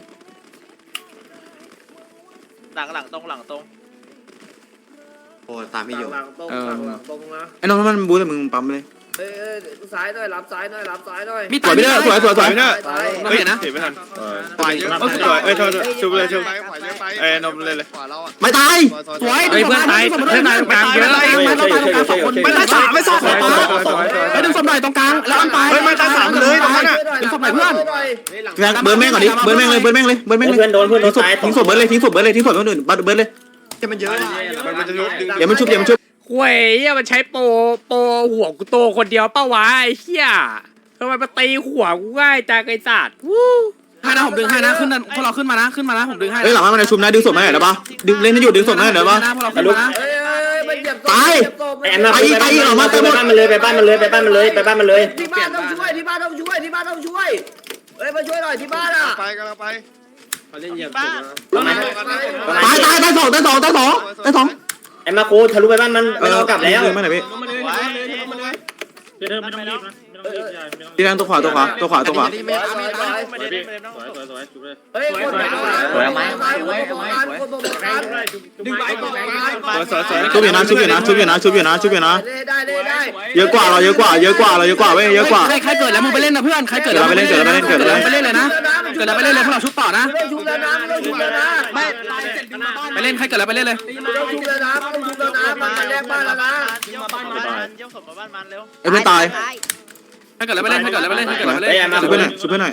G: หลังหลังตรงหลังตรง
A: โอ้ตามไม่อยู่
B: หลังตรงหลังตรงนะ
D: ไอ้น้องมันบู๊แต่มึงปั๊มเลย
B: เอ้ยซ้ายหน่อยรับซ้ายหน่อยรับซ้ายหน่อย
A: มี
D: สวยไปเลยสวยสวยสวย
E: เนอะ
B: ซ้าย
E: เฮ้ยนะเห็นไม่ทันปล่อยเยอะสวยเอ้ยโทษชุบเลยชุบเอ้ยนมเลยเลย
D: ไม่ตาย
A: สวย
C: เฮ้ยเพื่อนตายเพื่อนตายตรงกลางเยอะ
A: ไม่ต้องตายตรงกลางสองคน
E: ไม่ตายสามไม่สอง
C: สวยสวยสวยสวย
A: ไอ้ดึงศพหน่อยตรงกลางแล้วอันไป
E: เฮ้ยไม่ตายสามเลยตรงนั้นอ่ะ
A: ดึงศพหน่อยเพื่อน
D: เบิร์นแม่งก่อนดิเบิร์นแม่งเลยเบิร์นแม่งเลยเบิร์นแม่งเลย
H: เพื่อนโดนเพื่อนโด
D: ทิ้ง
H: น
D: ศพ
H: ตาย
D: ทิ้งศพเบิร์นเลยทิ้งศพเบิร์นเลยทิ้งศพคนอื่นบัดเบิร์นเลย
E: มันจะชุบดึง
D: อย่ามันชุบอย่ามันชุบ
C: หวยเหี้ยมันใช้โปรโปรหัวกูโตคนเดียวเป้าวะไอ้เหี้ยทำไมมาตีหัวกูง่ายจังไอ้สัตว์วู้
A: ให้นะผมดึงให้นะขึ้นพวกเราขึ้นมานะขึ้นมานะผมดึงให้
D: เฮ้ยหลังบ้านมันชุบนะดึงศพมาหน่อยได้ปะดึงเล่นให้หยุดดึงศพมาหน่อยได้ปะ
A: พวกเราขึ้นมานะ
B: เอ้ยมันเหยียบ
H: ไอ้แอมมาไปบ้านมันเลยไปบ้านมันเลยไปบ้านมันเลยไปบ้านมันเลย
B: ที่บ้านต้องช่วยที่บ้านต้องช่วยที่บ้านต้องช่วยเฮ้ยมาช่วยหน่อยที่บ้านอ่ะ
E: ไปกันเราไป
G: บ้าน
D: ตายตายตายสองตายสองตายสองตายสอง
H: ไอ้มาโคทะลุไปบ้านมันไม่ต้องกลับแล้ว
D: เดินมาหน่อยพี่
F: มาเลยมาเลยมาเลย
G: เดินไม่ต้องรีบนะ
D: ที่นั่งตัวขวาตัวขวาตัวขวาตัวขวา
G: ไม่ได้ไม่ได้ไม่ได้ต้อง
B: เฮ้ยคนไหนคนไหนคนบอกกัน
F: ดึงไปดึงไป
E: สวยสวย
D: ชุบอยู่นะชุบอยู่นะชุบอยู่นะชุบอยู่นะชุบอยู่นะ
B: ได้ได้ได้
D: เยอะกว่าเราเยอะกว่าเยอะกว่าเราเยอะกว่าเว้ยเยอะกว่า
A: ใครเกิดแล้วมึงไปเล่นนะเพื่อนใครเกิดแล้วไปเล่นเลยนะเกิดแล้วไปเล่นเลยพวกเราชุบต่อนะ
B: ไม่ต้องชุบแล้วนะไม่ต้องชุบแล้วนะ
A: ไม่ไปเล่นใครเกิดแล้วไปเล่นเลย
B: ไม่ต้องชุบแล้วนะไม่ต้องชุบแล้วนะมันแรกบ้านแล้วนะ
G: เยี่ยมบ้านมันเยี่ยมศพมาบ้านมันเร็ว
D: ไอ้เพื่อนตาย
A: ใครเกิดแล้วไปเล่นใครเกิดแล้วไปเล่นใครเกิดแล้วไป
H: ไอ้
A: เล่น
H: มา
D: ชุบเพื่อนหน่อยชุบเพื่อนหน่อย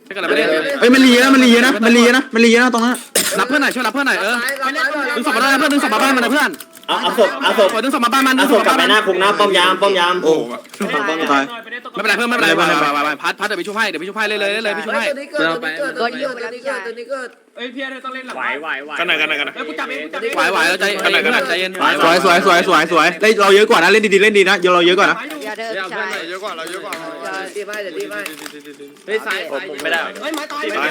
A: ใช่กันแล้วไม่ได้
D: เอ้ยมันรีนะมันรีนะมันรีนะมันรีนะตรงนั้น
A: รับเพื่อนหน่อยช่วยรับเพื่อนหน่อยเออดึงศพมาได้เพื่อนดึงศพมาบ้านมันนะเพื่อน
H: เอาเอาศพเอาศพ
A: ดึงศพมาบ้านมันดึ
H: เอา
A: ง
H: ศ
A: ศ
H: พ
A: พ
H: กลับ
A: มา
H: ไป
A: บ้าน
H: หน้าคุกหน้าป้อมยามป้อมยาม
D: โอ้
H: ฝั่งป้อมยาม
D: ตาย
A: ไม่เป็นไรเพื่อนไม่เป็นไรพัดพัดเดี๋ยวไปช่วยให้เดี๋ยวไปช่วยให้เลยเลยเลยไปช่วยให้
B: ตัวนี้เกิดตัวนี้เกิดตัวนี้เกิดตัวนี้เกิด
F: เอ้ยพี่ต้องเล่นหลัง
C: ไหวไหวไหว
E: กันไหนกันไหนกันไหน
F: เอ้ยกูจับเองกูจับเอง
A: ไหวไหวแล้วใจเย็นเพื่อนใจเย็น
D: สวยสวยสวยสวยสวยเล่นเราเยอะกว่านะเล่นดีๆเล่นดีนะเราเยอะกว่านะ
I: อย่าเดินชาย
E: เยอะกว่าเราเยอะกว่า
B: ตีไม่เดี๋ยวตีไม่
F: เฮ้ยซ้ายไม่ได้เฮ้ยไม้ตายไม่ได้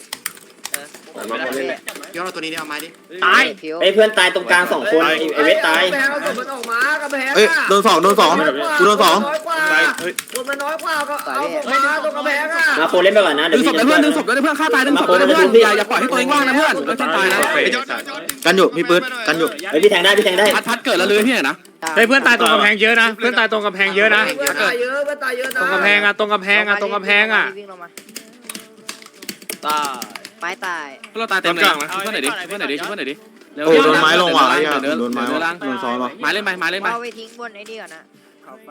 E: ย้อนตัวนี้เนี่ยเอาไม้ดิ
C: ตาย
H: ไอ้เพื่อนตายตรงกลางสองคนไอ้เวทตาย
B: กระแพงเอาศพมันออกมากระแพง
D: เอ้ยโดนสองโดนสองกูโดนสอง
B: น้อยกว่าคนมันน้อยกว่าก็เอาศพมาตรงกระแพงอ่ะ
H: มาโคเล่นไปก่อนนะ
A: ดึ
H: เดี๋ยว
A: งศ
H: พี่
A: พ
H: จะ
A: ด้วยเพื่อนดึงศพด้วยเพื่อนฆ่าตายดึงศพด้วยเพื่อนอย่าอย่าปล่อยให้ตัวเองว่างนะเพื่อนไม่ต้องตายนะ
D: กันอยู่พี่ปื๊ดกันอยู่
H: เฮ้ยพี่แทงได้พี่แทงได้
A: พัดพัดเกิดแล้วเลยพี่นะ
C: เฮ้ยเพื่อนตายตรงกำแพงเยอะนะเพื่อนตายตรงกำแพงเยอะนะ
B: เพื่อนตายเยอะเพื่อนตายเยอะนะ
C: ตรงกำแพงอะตรงกำแพงอะตรงกำแพงอะ
I: วิ่งลงมา
G: ตา
I: ไม้ตาย
A: เราตายเต็มเลยช่วยเพื่อนหน่อยดิช่วยเพื่อนหน่อยดิช่วยเพื่อนหน่อยดิ
D: โอ้โดนไม้ลงว่ะไอ้โดนไม้ว่ะโดนซ้อนว่ะ
A: ไม้เล่นไปไม้เล่นไป
I: เอาไปทิ้งบนไอ้นี่ก่อนนะเขาไป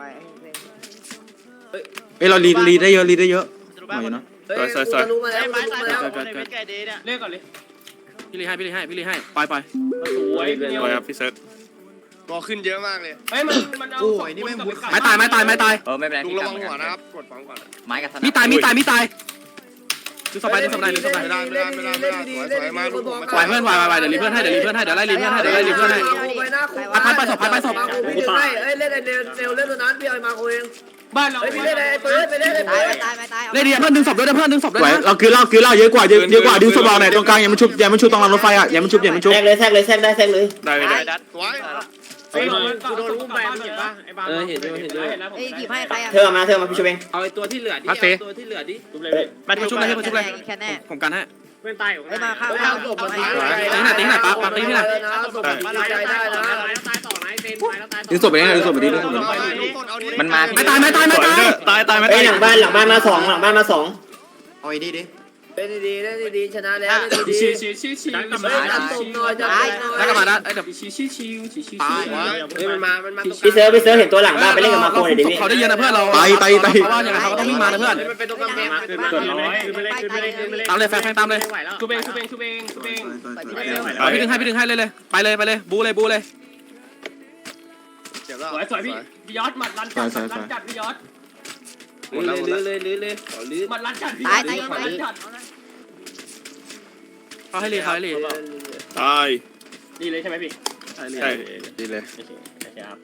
D: เอ้ยเรารีรีได้เยอะรีได้เยอะหน่อยนะ
B: เฮ้ยกูจะรู้มาแล้ว
G: ไอ้
B: กู
G: ไม้
B: รู้
G: ตาย
B: มาแล้ว
G: คนในเวทไก่ดีเนี่ย
F: เล่นก่อนเลย
A: พี่ลีให้พี่ลีให้พี่ลีให้ปล่อยปล่อย
F: สวยเดียว
E: สวยครับพี่เซิร์ฟรอขึ้นเยอะมากเลย
F: เฮ้ยมันมันเอา
A: ไม้ตายไม้ตายไม้ตาย
G: เออไม่เป็นไร
E: ลุงระวังหัวนะครับกดฟังก่อน
G: ไม้กับส
A: มีตายมีตายมีตายดึงศพไปดึงศพไปดึงศพไป
B: เล่นดีเล่นดีเล่นดีเล่นดีคนบอก
A: ไหวเพื่อนไหวไหวเดี๋ยวรีเพื่อนให้เดี๋ยวรีเพื่อนให้เดี๋ยวไล่รีเพื่อนให้เดี๋ยวไล่รีเพื่อนให้
B: ไปหน้าคุก
A: พัดไปศพพัดไปศพ
B: มาคุกพี่ดึงให้เอ้ยเล่นไอ้เนวเนวเล่นตัวนั้นพี่เอามาคุกเอง
F: บ้านเรา
B: เฮ้ยพี่เล่นไอ้ปืนไปเล่นไอ้
I: ตา
B: ปื
I: ย
B: น
I: ตายไม่ตาย
A: เล่นดีเพื่อนดึงศพด้วยเพื่อนดึงศพด้วย
D: ไหว
A: นะ
D: เราคือเราคือเราเยอะกว่าเยอะเยอะกว่าดึงสบอลหน่อยตรงกลางยังไม่ชุบยังไม่ชุบตรงรางรถไฟอ่ะยังไม่ชุบยังไม่ชุบ
H: แทกเลยแทกเลยแทกได้แทกเลย
E: ได้ได้
G: ดัด
E: สวย
F: เฮ้ยกูโดนอุ้มไปเห็นป่ะไอ้บ้าเออเห็นด้วยเห็นด้วย
I: เฮ้ยหยิบให้ใครอ่ะ
H: เธอมาเธอมาพี่ช่วยเอง
F: เอาไอ้ตัวที่เหลือดิตัวที่เหลือดิทุบเลย
A: มาชุบเลยมาชุบเลย
I: แค่แน่
A: ผมกันให้
F: เพื่อนตาย
I: เฮ้ยมาเข้า
B: เฮ้ย
I: เข้า
B: เอาศพมา
A: ตีไหนตีไหนปั๊บปั๊บตีที่ไหน
B: นะศพมาดีใจได้นะ
F: ตายต่อไหนเต็มตายแล้วตาย
D: ดึงศพไปดึงศพไปดิดึงศพไป
G: มันมา
A: ไม่ตายไม่ตายไม่ตาย
E: ตายตายไหม
H: ไอ้หลังบ้านหลังบ้านมาสองหลังบ้านมาสอง
E: เอาไอ้นี่ดิ
B: เล่นดีเล่นดีชนะแล้วเล่นดี
F: ชี้ชี้ชี้ชี้
B: เฮ้ยจับศพหน่อยจับศพหน่อย
A: แล้วก็มาได้เดี๋ยว
F: ชี้ชี้ชี้ชี้ชี้เฮ้ยมันมามันมาตรง
H: พี่เซิร์ฟพี่เซิร์ฟเห็นตัวหลังบ้านไปเล่นกับมาโคหน่อยดิพี่
A: เขาได้เยอะนะเพื่อนเราเพราะว่าอย่างไรเขาก็ต้องวิ่งมานะเพื่อน
F: มันเป็นตรงกำแพงมาขึ้นขึ้นไปเลยขึ้นไปเลยขึ้นไปเลยขึ้นไปเลย
A: ตามเลยแฟนแฟนตามเลย
F: ชุบเองชุบเองชุบเองชุบเอง
A: พี่ดึงให้พี่ดึงให้เลยเลยไปเลยไปเลยบูเลยบูเลย
E: เจ็บแล้ว
F: สวยสวยพี่พี่ยอดหมัดลันจัดลันจัดพี่ยอด
E: ลื้อเลยลื้อเลย
F: หมัดลันจัดพี่
I: ตายตายยัง
F: หมัด
I: ไง
F: ลันจัด
A: เขาให้รีเขาให้รี
E: ตาย
F: ดีเลยใช่ไหมพี่
E: ใช่ดีเลย
F: ครับ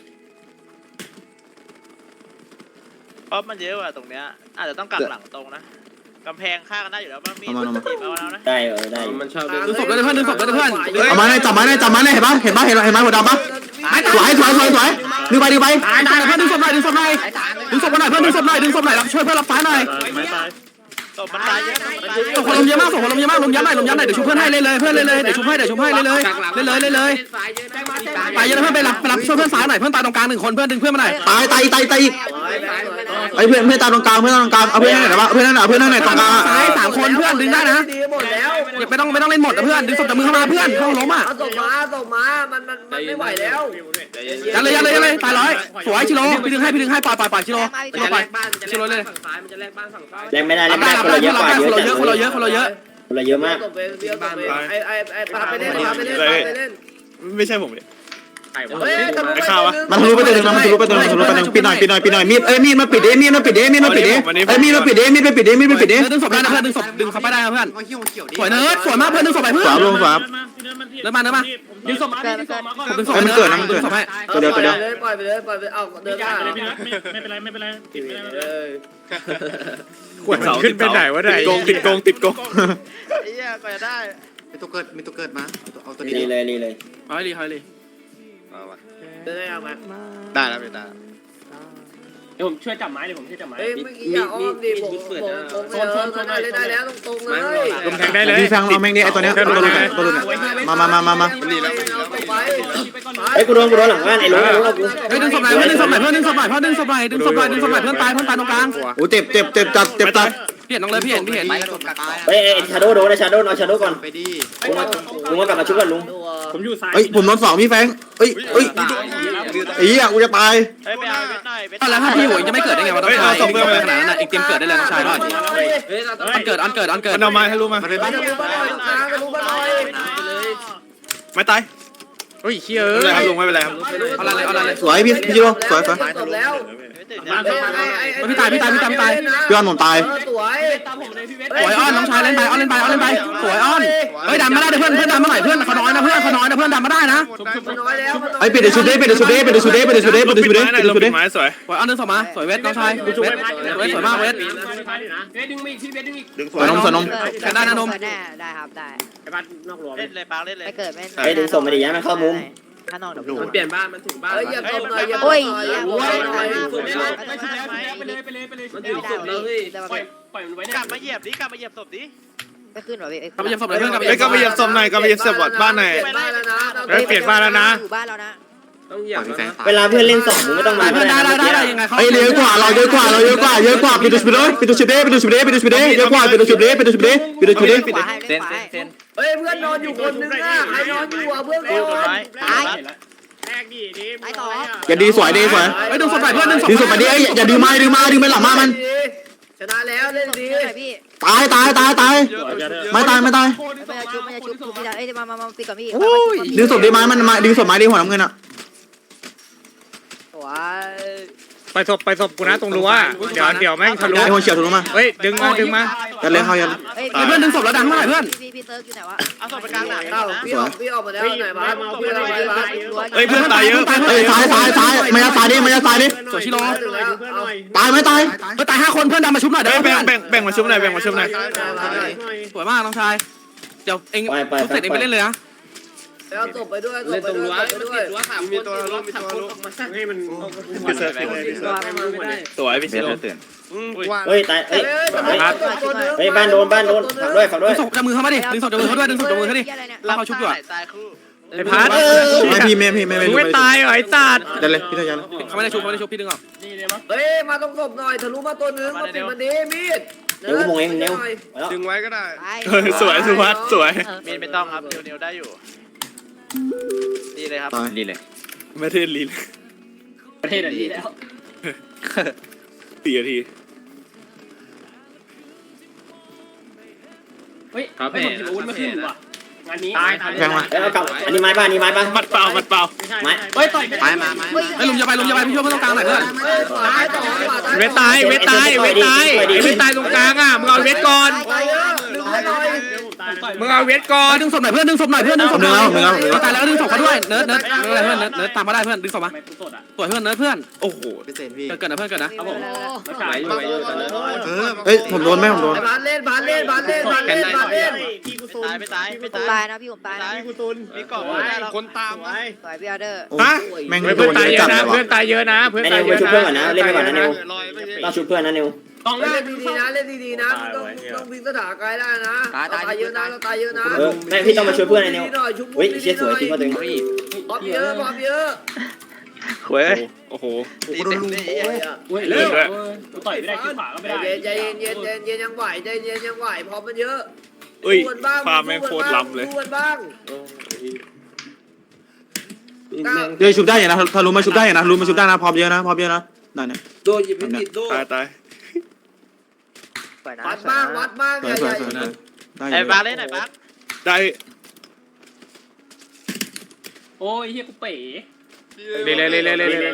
G: เพราะมันเยอะว่ะตรงเนี้ยอาจจะต้องกักหลังตรงนะกำแพงข้างกันได้อยู่แล้วมันมีมันจีบเอาแล้วนะ
H: ได้เออได้
F: มันชอบ
A: ดึงศพด้วยเพื่อนดึงศพด้วยเพื่อน
D: เอามาเลยจับไม้เลยจับไม้เลยเห็นปะเห็นปะเห็นเห็นไม้หัวดำปะสวยสวยสวยสวยดึงไปดึงไป
A: ตายตายเพื่อนดึงศพหน่อยดึงศพหน่อยดึงศพหน่อยเพื่อนดึงศพหน่อยดึงศพหน่อยรับช่วยเพื่อนรับฟ้าหน่อย
G: ตบมันตายเยอะตบมันตายเย
A: ส่ง
G: อะ
A: คนลมเยอะมากส่งคนลมเยอะมากลมยันหน่อยลมยันหน่อยเดี๋ยวชุบเพื่อนให้เลยเลยเพื่อนเลยเลยเดี๋ยวชุบให้เดี๋ยวชุบให้เลยเลยเลยเลยเลยตายเยอะเพื่อนไปรับไปรับช่วยเพื่อนซ้ายหน่อยเพื่อนตายตรงกลางหนึ่งคนเพื่อนดึงเพื่อนมาหน่อย
D: ตายตายตายตายอีกไอ้เพื่อนเพื่อนตายตรงกลางเพื่อนตรงกลางเอาเพื่อนไหนวะเพื่อนไหนเพื่อนไหนตรงกลาง
A: ซ้ายสามคนเพื่อนดึงได้นะ
B: ดีหมดแล้ว
A: อย่าไม่ต้องไม่ต้องเล่นหมดนะเพื่อนดึงศพจากมือเข้ามาเพื่อนเข้าล้มอ่ะ
B: เอาศพมาศพมามันมันมันไม่ไหวแล้ว
A: ยันเลยยันเลยยันเลยตายร้อยสวยชิโร่พี่ดึงให้พี่ดึงให้ปล่อยปล่อยปล่อยชิโร่ชิโร่ปล่อยชิโร่เลย
F: ฝั่งซ้ายมันจะแลกบ้านฝั่งซ้าย
H: แรงไม่ได้แร
A: รั
H: ง
A: บ
H: ไม่
A: ได้
H: ได้
A: รับ
H: คน
A: ได้
H: เราเยอะ
A: คน
H: กว่า
A: เรา
H: เย
A: เย
H: อะ
A: อะคนเราเยอะคนเราเยอะ
H: คนเราเยอะมาก
B: ศพไปเบี้ยวศพไปไอ้ไอ้ไอ้พาไปเล่นพาไปเล่นพาไปเล่น
E: ไม่ใช่ผมเลย
B: เฮ้ยทะลุไป
D: มันทะลุไปตัวนึงมันทะลุไปตัวนึงทะลุไปตัวนึงปิดหน่อยปิดหน่อยปิดหน่อยมีดเอ้ยมีดมาปิดเอ้มีดมาปิดเอ้มีดมาปิดเอ้เอ้มีดมาปิดเอ้มีดมาปิดเอ้มีดมาปิดเอ้
A: ดึงศพได้นะเพื่อนดึงศพดึงเขาไปได้นะเพื่อนสวยเนิร์ดสวยมากเพื่อนดึงศพไปเพื่อน
D: สามลงสาม
A: เดินมาเดินมา
F: ดึงศพมาดึงศพมาก่อน
A: ดึงศพไปเนิร์ดดึงศพให้
B: ตัวเดียวตัวเดียวปล่อยไปเลยปล่อยไปเอาเดินหน้า
F: ไม่เป็นไรไม่เป็นไรติดไม่ได้
C: ขวดขึ้นไปไหนวะไหน
E: ติดโกงติดโกงติดโกง
G: ไอ้เหี้ยก็จะได้
E: มีตัวเกิดมีตัวเกิดมาเอาตัวนี้
H: รีเลยรีเลย
A: เฮ้ยลีเฮ้ยลี
B: เดินได้เอามา
E: ได้แล้วไม่ได้
F: เดี๋ยวผมช่วยจับไม้เดี๋ยวผมช่วยจับไม้
B: เฮ้ยเมื่อกี้อย่าอ้อมดิผมผมผมเลยได้แล้วตรงๆเลย
C: ลมแทงได้เลย
D: พี่ฟังเอาแม่งนี่ไอ้ตัวเนี้ยตัวลุนตัวลุนมามามามามา
E: ดีแล้ว
H: ไอ้กูโดนกูโดนหลังบ้านไอ้รู้ไอ้รู้กู
A: เฮ้ยดึงศพไหนเพื่อนดึงศพไหนเพื่อนดึงศพไหนเพื่อนดึงศพไหนดึงศพไหนดึงศพไหนเพื่อนตายเพื่อนตายตรงกลาง
D: โอ้เจ็บเจ็บเจ็บจัดเจ็บจัด
A: พี่เห็นน้องเลยพี่เห็นพี่เห็น
H: เฮ้ยชาโดโดนนะชาโดเอาชาโดก่อน
E: ไปดิ
H: ลุงมาลุงมากลับมาชุบกันลุง
F: ผมอยู่ซ้าย
D: เฮ้ยผมโดนสองพี่แฟงเอ้ยเอ้ยไอ้เหี้ยกูจะตาย
G: เฮ้ยไปเอาเวทหน่อยเวท
A: แล้วถ้าพี่หัวจะไม่เกิดได้ไงวะต้องชายขนาดนั้นอีกเกมเกิดได้เลยน้องชายรอดอันเกิดอันเกิดอันเกิด
E: มันเอาไม้ให้รู้มา
B: ไปทะลุมาหน่อยตรงกลางทะลุมาหน่อย
E: ไม่ตาย
C: โอ้ยเชี่ย
E: ไม่
C: เอ้
E: เป็นไรครับ
C: ย
E: ลุงไม่เป็นไรครับ
A: เอาอะไรเลยเอาอะไรเลย
D: สวยพี่พี่จิโร่สวยสวย
B: จบแล้ว
A: พี่ตายพี่ตายพี่ตายพี่ตาย
D: พี่ออนผมตาย
B: สวย
A: สวยอ้อนน้องชายเล่นไปอ้อนเล่นไปอ้อนเล่นไปสวยอ้อนเฮ้ยดันมาได้เพื่อนเพื่อนดันมาหน่อยเพื่อนเขาน้อยนะเพื่อนเขาน้อยนะเพื่อนดันมาได้นะ
B: มันน้อยแล้วมันน้อย
D: ไอ้ปิดเดชุดเด้ปิดเดชุดเด้ปิดเดชุดเด้ปิดเดชุดเด้ปิดเดชุดเด้
E: ไม้
D: ปิดเด
E: ลง
D: ชุด
E: ปิ
D: เด้
E: ดไม้สวย
A: สวยอ้อนเดินส่งมาสวยเวทน้องชายเวทเวทสวยมากเวท
F: เฮ้ยดึงมาอีกพี่เบสดึงอีก
E: ดึงส
D: ส
E: ว
D: วย
E: ย
D: นมสวยนม
I: ได้ได้ครับได้
F: ไอ้บ้านนอกรั้ว
G: เล่นเลยปางเล่นเลย
I: ไม่เกิดไม่
H: เฮ้ยดึงส่งมาดิย้ายมันเข้ามุม
I: ข้างนอกเดี๋ยว
F: มันเปลี่ยนบ้านมันถึงบ้าน
B: เฮ้ยอย่าตบหน่อยอย่าตบ
I: โอ้ย
B: หน่อย
I: เหี้ย
B: โอ้ยหน่อย
F: สุดแล้วไปเลยไปเลยไปเลยไปเลย
I: มันถึงศพแล้วพี่แต่ว่า
F: ปล่อยปล่อยมันไว้
G: ก
F: เนี่ย
G: ลับมาเหยียบดิกลับมาเหยียบศพดิ
I: ไม่ขึ้นหรอพี่
A: กลับไปเยี่ยมศพเลยเพื่อนกลับไป
E: เฮ้ยก็ไปเหยียบศพหน่อยก็ไปเหยียบศพบ้านหน่อย
B: เปลี่ยนบ้านแล้วนะ
C: เฮ้ยเปลี่ยนบ้านแล้วนะ
I: อยู่บ้านแล้วนะ
F: ต้องเหยียบ
H: เวลาเพื่อนเล่นสองมึงไม่ต้องมา
A: เพื่อนได้ได้ได้ได้ยังไงเขา
D: ไอ้เยอะกว่าเราเยอะกว่าเราเยอะกว่าเยอะกว่าปิดเดชุดเด้ปิดเดชุดเด้ปิดเดชุดเด้ปิดเดชุดเด้เยอะกว่าปิดเดชุดเด้ปิดเดชุดเด้ปิดเดชุดเด้
I: ขวาให้เล่นขวาให้
B: เฮ้ยเพื่อนนอนอยู่คนนึงอ่ะใครนอนอยู่อ่ะเพื่อน
G: เล่น
B: น
G: ต้
B: อน น
G: ไม้
I: ตาย
F: แรกดิดิ
I: ตายต่อ
D: อย่าดีสวยดีสวย
A: เฮ้ยดึงศพไปเพื่อนดึงศพ
D: ดึงศพไปดิอย่าดึงมาดึงมาดึงไปหลังมามัน
B: ชนะแล้วเล่นดี
I: พี่
D: ตายตายตายตายไม่ตายไม่ตาย
I: ไม่จะชุบไม่จะชุบพี่เอ้ยมามามาตีกับพี่
D: ดึงศพดีไม้มันมาดึงศพไม้ดีหัวน้ำเงินอ่ะ
I: ว้า
C: ไปศพไปศพกูนะตรงรั้วเดี๋ยวเดี๋ยวแม่งทะลุ
D: ไอ้หัวเฉียวถูกมา
C: เฮ้ยดึงมาดึงมา
D: ยัดเลยเขายัด
I: เฮ้ย
A: เพื่อนดึงศพแล้วดังเท่าไหร่เพื่อน
I: พี่พี่เติร์กอยู่ไหนวะ
G: เอาศพไปกลางหนัง
B: เอ้าพี่ออกพี่ออกมาแล้วไหนบ้านพี่ออกมาแล้ว
E: เฮ้ยเพื่อนตายเยอะ
D: เอ้ยซ้ายซ้ายซ้ายไม่ยัดซ้ายดิไม่ยัดซ้ายดิ
A: สวยชิโร่
F: เพื่อนหน่อยเพื่อนหน่อย
D: ตายไหมตาย
A: เฮ้ยตายห้าคนเพื่อนดันมาชุบหน่อยเด้
E: เฮ้
A: อย
E: แบ่
A: เพื่
E: ง
A: อน
E: แบ่งแบ่งมาชุบหน่อยแบ่งมาชุบหน่อย
A: สวยมากน้องชายเดี๋ยวเองชุบเสร็จเองไปเล่นเลยนะ
B: แล้วตบไปด้วยตบไปด้วยตบไปด้วย
F: มีตัวลูกมีตัวลูกให้มัน
E: สวยพี่ชิโร่
H: เฮ้ยตายเฮ้ย
B: เฮ้ย
H: เฮ้ยบ้านโดนบ้านโดนฝักด้วยฝักด้
A: ดึ
H: วย
A: งศพจับมือเขามาดิดึงศพจับมือเขาด้วยดึงศพจับมือเขาดิ แล้วเขาชุบอยู่อะ
G: ตายคู่
C: ไอ้พัด
D: ไม่พี่ไม่พี่ไม่ไม่
C: มึงไม่ตายเหรอไอ้สัตว์
D: ยัดเลยพี่ยัดเลย
A: เขาไม่ได้ชุบเขาไม่ได้ชุบพี่ดึงออก
F: นี่เลยมั้ง
B: เฮ้ยมาต้องศพหน่อยทะลุมาตัวนึงมาปิดมันดีมีด
H: เดี๋ยวกูมงเองเร็วแล้ว
E: ดึงไว้ก็ได้
I: ไป
E: สวยสุวัสสวย
G: มีนไม่ต้องครับเนียวเนียวได้อยู่ดีเลยครับ
D: ตาย
E: ดีเลยไม่เทศลีน
F: ประเทศนี้แล้ว
E: สี่นาที
F: เฮ้ยไม่ผมถืออาวุธมาขึ้นว่ะงานนี้ตายตาย
D: แทงมา
H: เฮ้ยเอากลับอันนี้ไม้ป่ะอันนี้ไม้ป่ะ
E: มัดเปล่ามัดเปล่า
F: ไม่ใช่เฮ้ยต่อย
A: ไปมามาไอ้ลุงจะไปลุงจะไปพี่ช่วยเพื่อนตรงกลางหน่อยเพื่อน
B: เฮ้ยขวาต่อขวา
C: เวทตายเวทตายเวทตายไอ้เวทตายตรงกลางอ่ะมึงเอาเวทก่อน
B: ตายเยอะดึงให้หน่อย
C: มึงเอาเวทก่อน
A: ดึงศพหน่อยเพื่อนดึงศพหน่อยเพื่อนดึงศพหน่อยเขาตายแล้วก็ดึงศพเขาด้วยเนิร์ดเนิร์ดเนิร์ดเพื่อนเนิร์ดเนิร์ดตามมาได้เพื่อนดึงศพมา
F: ไม่กูสดอ่ะ
A: สวยเพื่อนเนิร์ดเพื่อน
E: โอ้โห
A: เกิดเกิดนะเพื่อนเกิดนะ
F: ครับผมไม่ขายอยู่อยู่ตอนนั้น
D: เฮ้ยผมโดนไหมผมโดน
B: บานเล่นบานเล่นบานเล่นบานเล่นบานเล่น
F: พี่กูซุน
G: ตายไม่ตายไม่
I: ผม
G: ตา
I: ตาย ยนะพี่ผมตายนะ
F: พี่กูซุน
G: มีกล่องไม่ได้หรอก
E: คนตาม
F: ไว้
I: สวยพี่ออเดอร์
D: ฮะแม่ง
C: เฮ้ย
D: โด
C: เพื่อน
D: น
C: ตาย
D: เย
C: เย
D: อะ
C: อะ
D: จัด
C: นะ
D: เลยวะ
C: เพื่อนตายเยอะนะเพื่อน
H: ไอ้
C: ตาย
H: นิว
C: เย
H: ไป
C: อะ
H: ชุบ
C: นะ
H: เพื่อนก่อนนะเล่นไปก่อนนะนิว
E: ลอยไม่ใช่
H: ต้องชุบเพื่อนนะนิว
F: กองหน้า
B: เล่นดีๆนะเล่นดีๆนะต้องต้องพิงสถานกายได้นะตายเยอะนะเราตายเยอะนะ
H: เออแม่พี่ต้องมาช่วยเพื่อนไอ้นิวเฮ้ยเชี่ยสวยจริงว่าตัวเอง
B: บอมเยอะบอมเยอะ
E: เว้ยโอ้โห
G: ตีเต็มที่
F: เฮ้ยเร็วกูต่อยไม่ได้คิดขวาก็ไม่ได้
B: ใจเย็นเย็นเย็นเย็นยังไหวใจเย็นยังไหวพอมันเยอะ
E: เอ้ยฟาร์มแม่งโคตรล้ำเลย
B: ดูกันบ้าง
D: เดี๋ยวชุบได้อย่างนะถ้ารู้มาชุบได้อย่างนะรู้มาชุบได้นะพร้อมเยอะนะพร้อมเยอะนะได้เนี่ย
B: โดนหยิบผิดโดน
E: ตายตาย
I: สวยนะ
B: วัดบ้างวัดบ้าง
D: ส
B: ให
D: วย
B: ญ่
D: สวย
B: ใหญ่
D: สวยได้
G: ไอ้บ้าเล่นไหนบ้า
E: ได้
F: โอ้ยเฮียกูเป๋
C: เร็วเร็วเร็วเร็วเร็ว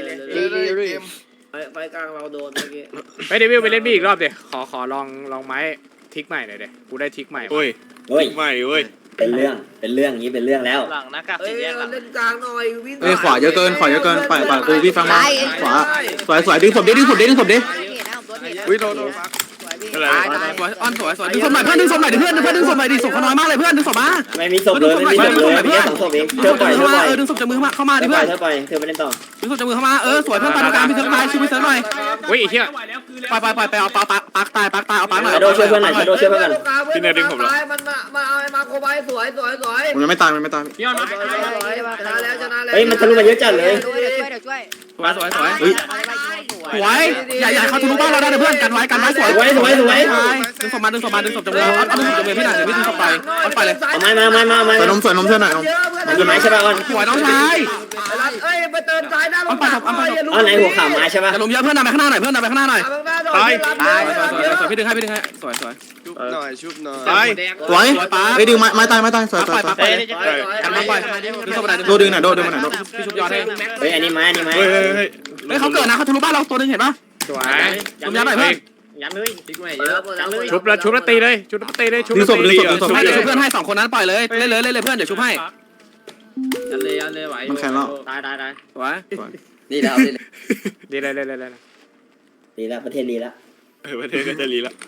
B: ไฟกลางเราโดนเมื่อกี้
C: ไปเดวิลไปเล่นบี้อีกรอบเดี๋ยวขอขอลองลองไม้ทิกใหม่หน่อยเดี๋ยวกูได้ทิกใหม่
E: โอ้ย
H: เฮ้ย
E: ไม่เว้ย
H: เป็นเรื่องเป็นเรื่องนี้เป็นเรื่องแล้ว
G: หลังหน้ากาก
B: เอ้
G: สี
B: ย
G: แยกหลัง
B: เล่นกลางหน่อยวิ่ง
D: เอ้ยขวาเยอะเกินขวาเยอะเกินปล่อยปล่อยกูพี่ฟังมาขวาสวยสวยดึงศพดิดึงศพดิดึงศพดิ
I: เห็นนะผมตัวเห็นนะ
E: อุ้ยโดนโดน
I: สวยพี่
E: อะไร
A: ตายตายสวยอ้อนสวยสวยดึงศพหน่อยเพื่อนดึงศพหน่อยดิเพื่อนเพื่อนดึงศพหน่อยดิศพเขาน้อยมากเลยเพื่อนดึงศพมา
H: ไม่มีศพเลยไม่มีศพเลยมีแค่สองศพเอง
A: ดึ
H: เธ
A: งศ
H: อ
A: พ
H: ปล่อย
A: จาก
H: เธ
A: มื
H: อ
A: อ
H: ปล่
A: มา
H: อย
A: เออดึงศพจากมือเข้ามาดิ
H: เธอปล่
A: เพื่อย น
H: อเธอปล่อยเธอไม่เล่นต่อ
A: ดึงศพจากมือเข้ามาเออสวยเพื่อนตามกลางพี่เซิร์ฟไลน์ชิวพี่เซิร์ฟหน่อย
C: เฮ้ยไอ้เหี้ย
A: ไปไปไปไปเอาปาปักปักตายปักตายเอาปักหน่อย
H: ชาโดช่วยเพื่อนหน่อยชาโดช่วยเพื่อนกัน
B: ตายมันมามาเอาไอ้มาโคบายสวยสวยสวย
D: ผมยังไม่ตายมันไม่ตาย
F: พี่ออนมา
B: ชนะแล้วชนะแล้ว
H: เฮ้ยมันทะลุมาเยอะจัดเลย
I: เดี๋ยวช่วยเดี๋ยวช่วยช่วย
A: สวยสวยสวย
D: เฮ้ย
A: สวยอย่าอย่าเขาทะลุบ้านเราได้นะเพื่อนกันไว้กันไว้สวยดึงศพมาดึงศพมาดึงศพจำเลยเอาดึงศพจำเลยพี่หน่อยเดี๋ยวพี่ดึงศพไปเอาไปเลย
H: เอาไม้มาไม้มาไม้
D: ใส่นมใส่นมเพื่อนหน่อยนม
H: มันกี่ไม้ใช่ป่ะอ้อน
A: สวยน้องชาย
B: เอ้ยไปเติมซ้ายหน้าลง
H: อ้อนไหนหัวข่าวไม้ใช่ป่ะ
A: จะลุมเยอะเพื่อนนำไปข้างหน้าหน่อยเพื่อนนำไปข้างหน้าหน่อย
B: ตายตาย
A: สวยสวยสวยพี่ดึงให้พี่ดึงให้สวยสวย
E: ชุบหน่อยชุบหน่อย
A: ตาย
D: สวยเฮ้ยดึงไม้ไม้ตายไม้ตายสวยสวยสวย
G: เอ้ยนี่จะ
A: กันน้องไปดึงศพไป
D: โดดึงหน่อยโดดึงมาหน่อยโด
A: พี่ชุบยอดให้
H: เฮ้ยอันนี้ไม้อันนี้ไม้
E: เฮ้ยเฮ้ยเฮ้ย
A: เฮ้ยเขาเกิดนะเขาทะลุบ้านเราตัวนึงเห็นปะ
C: สวย
A: ลุมยัดหน่อยเพื่อน
H: ย้ำเลย
C: ชุบแล้วชุบแล้วตีเลยชุบแล้วตีเลยชุบ
D: ดึงศพดึงศพดึงศพ
A: ให้เดี๋ยวชุบเพื่อนให้สองคนนั้นปล่อยเลยเล่นเลยเล่นเลยเพื่อนเดี๋ยวชุบให้
F: ยันเลยยันเลยไหว
D: มันแข็งแล้ว
H: ตายตายตาย
A: สวย
B: นี่แล้ว
C: ดีเลยเลยเลยเลย
H: ดีแล้วประเทศดีแล้ว
E: เออประเทศก็จะรีละ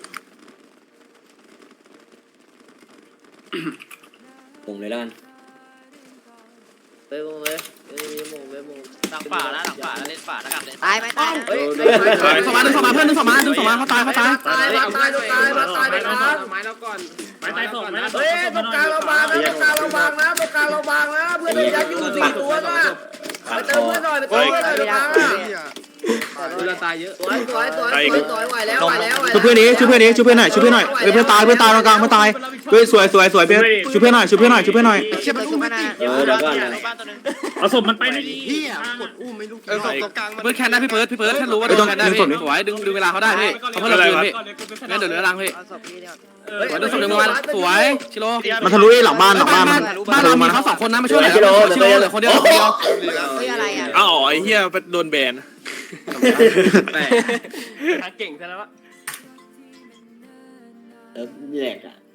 H: ปุ่งเลยแล้วกัน
B: ไปมงเลยเอ้ยมงเลยมง
G: หลังป่านะหลังป่านะเล่นป่านะกลับเลย
I: ตายไหมตายนะ
B: เฮ้ย
A: ดึงศพมาดึงศพมาเพื่อนดึงศพมาดึงศพมาเขาตายเขาตาย
B: ตายมาตายตายมาตายไปกลาง
F: ไม้เราก่อนไม้ตายส่งไม้
B: เฮ้ยตรงกลางเราบางนะตรงกลางเราบางนะตรงกลางเราบางนะเพื่อนยัดอยู่สี่ตัวนะไปเติมเพื่อนหน่อยไปเติมเพื่อนหน่อยตรงกลาง
F: เราตายเยอะ
B: สวยสวยสวยสวยสวยไหวแล้วไหวแล้ว
D: ช่วยเพื่อนนี้ช่วยเพื่อนนี้ช่วยเพื่อนหน่อยช่วยเพื่อนหน่อยเพื่อนตายเพื่อนตายตรงกลางเพื่อนตายเฮ้ยสวยสวยสวยเพื่อนช่วยเพื่อนหน่อยช่วยเพื่อนหน่อยช่วยเพื่อนหน่อย
I: เชื่อมันขึ้นมาหน้า
H: เออเดี๋ยวก่อน
G: บ้านตัวนึง
F: เอาศพมันไปในดี
E: เออศพตรงกลางมัน
A: เพื่อนแคนได้พี่เพิร์ดพี่เพิร์ดแค่รู้ว่าโดนแคนได้พี่สวยดึงดึงเวลาเขาได้พี่เขาเพื่อนเราคืนพี่งั้นเดี๋ยวเหลือรังพี่
I: เอาศพพี่เนี่ย
A: สวยดึงศพดึงมาสวยชิโร่
D: มันทะลุหลังบ้านหลังบ้านมัน
A: บ้านเรามีเขาสองคนนะมาช่วยหน่อยชิโร่เหลือคนเดียวคนเดียว
I: เฮ้ยอะไรอ่ะ
E: อ้าวไอ้เหี้ยโดนแบน
F: เก่งซะแล้ว
H: เออแหลกอ่ะ